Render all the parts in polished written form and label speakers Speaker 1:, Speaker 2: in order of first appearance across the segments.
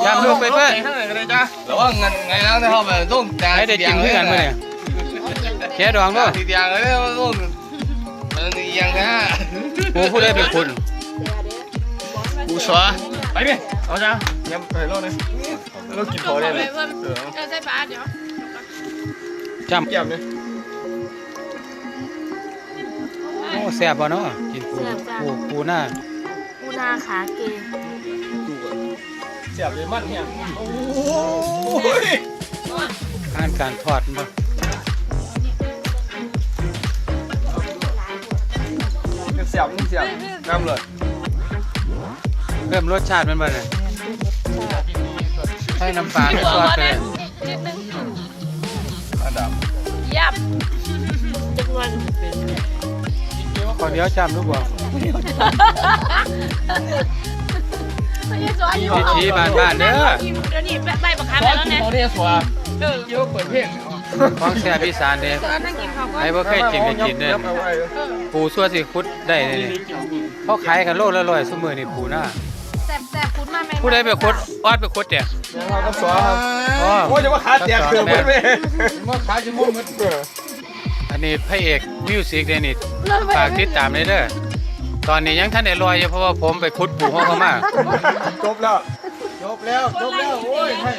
Speaker 1: จำดูไปเพื่อน
Speaker 2: แล้วว่าเงินไงแล้วได้เข้าไปต้องจ่าย
Speaker 1: ให้ได้กินเพื่อนมาเนี่ยแค่ดองด้วย
Speaker 2: ทีเดียวเลยต้องเอียงนะ
Speaker 1: กูผู้ได้เป็นคุณ
Speaker 2: กูชัวไปดิเอาจ้ายังไปรอบนึงเรากินพอได้เลย
Speaker 3: ใส่ปลาเดี๋ยว
Speaker 1: จำ
Speaker 2: เกี่ยมเลย
Speaker 1: โอ้แซ่บบ่เนาะกินปูหน้า
Speaker 3: ปูนาขาเกย
Speaker 2: เสียบเลยมันเนี่ยโอ้ย
Speaker 1: การทอดบ่
Speaker 2: เสียบนี่เสียบน้ำเลย
Speaker 1: เพิ่มรสชาติมันบ่เนี่ยให้น้ำปลาให้ซอสไปเลย
Speaker 3: นิดนึง
Speaker 2: อันดับ
Speaker 3: ยับจำนวน
Speaker 1: ขอเดี๋ยวจำดูบ่ วิธีบ้านๆเด้อ
Speaker 3: เดี๋ยวนี้ใบบักคำแล้วเนี่ย
Speaker 2: เขาเรียกว่าเยอะเปิดเพลง
Speaker 1: ของแซ่บอีสานเด้
Speaker 3: นั่งกินข้าวก่อน
Speaker 1: ไอ้บ่เคยกินก็กินเด้ปูซั่วสิคุดได้เลยนี่เขาขายกันโลละ100ซุมื้อนี่ปูหน้า
Speaker 3: แซ่บๆคุณมาแม่
Speaker 1: ผู้ใดไปคุดออดไปคุดเนี่ย
Speaker 2: เราก็สอนครับ
Speaker 1: อ๋อ
Speaker 2: โอ้ยจะมาขาเตียงเกือบหมดเลยมาขาจะมุ่งหมด
Speaker 1: อันนี้พระเอกมิวสิกเดนิตฝากติดตามเลยเด้อตอนนี้ยังท่านได้ลอยอยู่เพราะว่าผมไปคุดปูห้องเขามา
Speaker 2: จบแล้วโอ้ยให้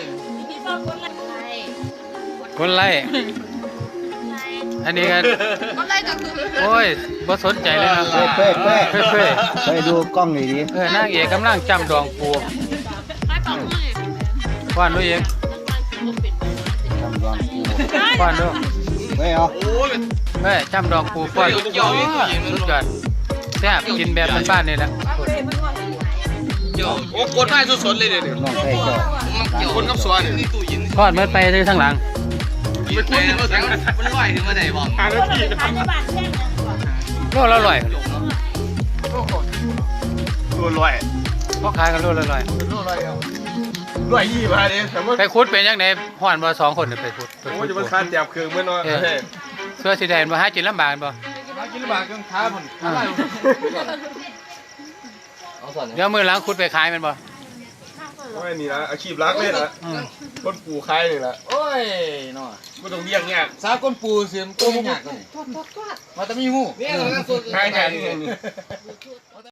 Speaker 1: คนไล่อันนี้กัน
Speaker 3: ก็ไล่ก็คือ
Speaker 1: โอ้ยบ่สนใจเลยนะ
Speaker 4: เฟ้เฟ้
Speaker 1: เฟ้ย
Speaker 4: ไปดูกล้องหน่อยดิ
Speaker 1: นางเอกกำลังจำดองปู
Speaker 3: ไล่ปอกมือ
Speaker 1: ว่านด้วยเอง
Speaker 4: ทำกล้องกู
Speaker 1: ว่านด้วย
Speaker 4: ไม่เอา
Speaker 1: เฮ้ยจำดองปูป้อนสุดยอดแซ่บกินแบบบ้านๆนี่แหละ
Speaker 2: โอ้กดได้สดๆเลยเดี๋ยว
Speaker 4: น้องใครเจ้า
Speaker 2: คนกับสวนนี่ตู้ยิน
Speaker 1: ทอดมันไปเลยทั้งหลัง
Speaker 2: ไปคุยมันลอยถึงมาไหนบอก5 นาที
Speaker 1: โลละ100
Speaker 2: ตัวลอย
Speaker 1: พ่อขายกันโลละ100
Speaker 2: ลอยยี่มาเนี่ยแต่ว่า
Speaker 1: ไปคุดเป็นยังไงห่อนบ่2คนเนี่ยไปคุด
Speaker 2: โอ้ยจะมาคานเตียบเครื่องเมื่อน้อย
Speaker 1: เสื้อสีแดงบ่หากินลำบากบ่
Speaker 2: มากินบาทเครื่องท้าผม
Speaker 1: เดี๋ยวมื้อหลังคุดไปขายแม่นบ่
Speaker 2: โอ้ยนี่นะอาชีพรักเลยนะคนปู่ใครนี่แหละ
Speaker 5: โอ้ยเนาะ
Speaker 2: ไม่ต้องเลี้ยงเนี่ย
Speaker 5: สาก้นปูเสียมก้นยากเลยมาแต่มีหู
Speaker 2: ใครแทน